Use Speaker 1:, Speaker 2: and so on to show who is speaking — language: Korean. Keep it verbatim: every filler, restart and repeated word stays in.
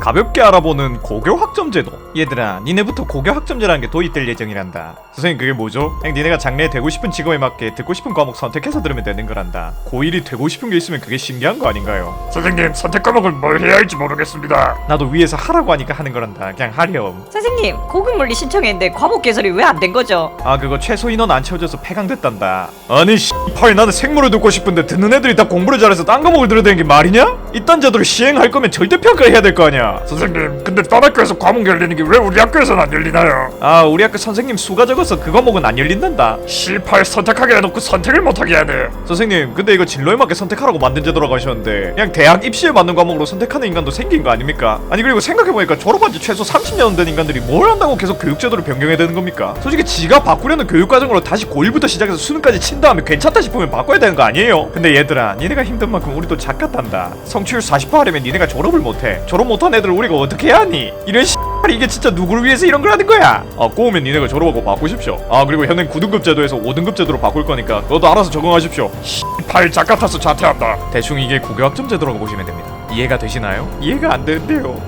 Speaker 1: 가볍게 알아보는 고교 학점제도. 얘들아, 니네부터 고교 학점제라는 게 도입될 예정이란다. 선생님, 그게 뭐죠? 그냥 니네가 장래에 되고 싶은 직업에 맞게 듣고 싶은 과목 선택해서 들으면 되는 거란다. 고일이 되고 싶은 게 있으면 그게 신기한 거 아닌가요?
Speaker 2: 선생님, 선택 과목을 뭘 해야 할지 모르겠습니다.
Speaker 1: 나도 위에서 하라고 하니까 하는 거란다. 그냥 하렴.
Speaker 3: 선생님, 고급물리 신청했는데 과목 개설이 왜 안 된 거죠?
Speaker 1: 아, 그거 최소 인원 안 채워져서 폐강됐단다. 아니 씨발, 나는 생물을 듣고 싶은데 듣는 애들이 다 공부를 잘해서 딴 과목을 들어야 되는 게 말이냐? 이딴 제도를 시행할 거면 절대평가해야 될 거 아니야.
Speaker 2: 선생님, 근데 딴 학교에서 과목 열리는 게 왜 우리 학교에서는 안 열리나요?
Speaker 1: 아, 우리 학교 선생님 수가 적어서 그 과목은 안 열린단다.
Speaker 2: 씨팔, 선택하게 해놓고 선택을 못하게 해야 돼.
Speaker 1: 선생님, 근데 이거 진로에 맞게 선택하라고 만든 제도라고 하셨는데 그냥 대학 입시에 맞는 과목으로 선택하는 인간도 생긴 거 아닙니까? 아니, 그리고 생각해보니까 졸업한 지 최소 삼십 년 된 인간들이 뭘 한다고 계속 교육제도를 변경해야 되는 겁니까? 솔직히 지가 바꾸려는 교육과정으로 다시 고일부터 시작해서 수능까지 친 다음에 괜찮다 싶으면 바꿔야 되는 거 아니에요? 근데 얘들아, 니네가 힘든 만큼 우리도 작같단다. 성취율 사십 퍼센트 하려면 니네가 졸업을 못해. 졸업 못한 애들 우리가 어떻게 해야 하니? 이런 씨발, 이게 진짜 누구를 위해서 이런 걸 하는 거야? 아, 꼬우면 니네가 졸업하고 바꾸십시오. 아, 그리고 현행 구 등급 제도에서 오 등급 제도로 바꿀 거니까 그것도 알아서 적응하십시오.
Speaker 2: 씨팔, 작같아서 자퇴한다.
Speaker 1: 대충 이게 고교학점 제도라고 보시면 됩니다. 이해가 되시나요? 이해가 안 되는데요.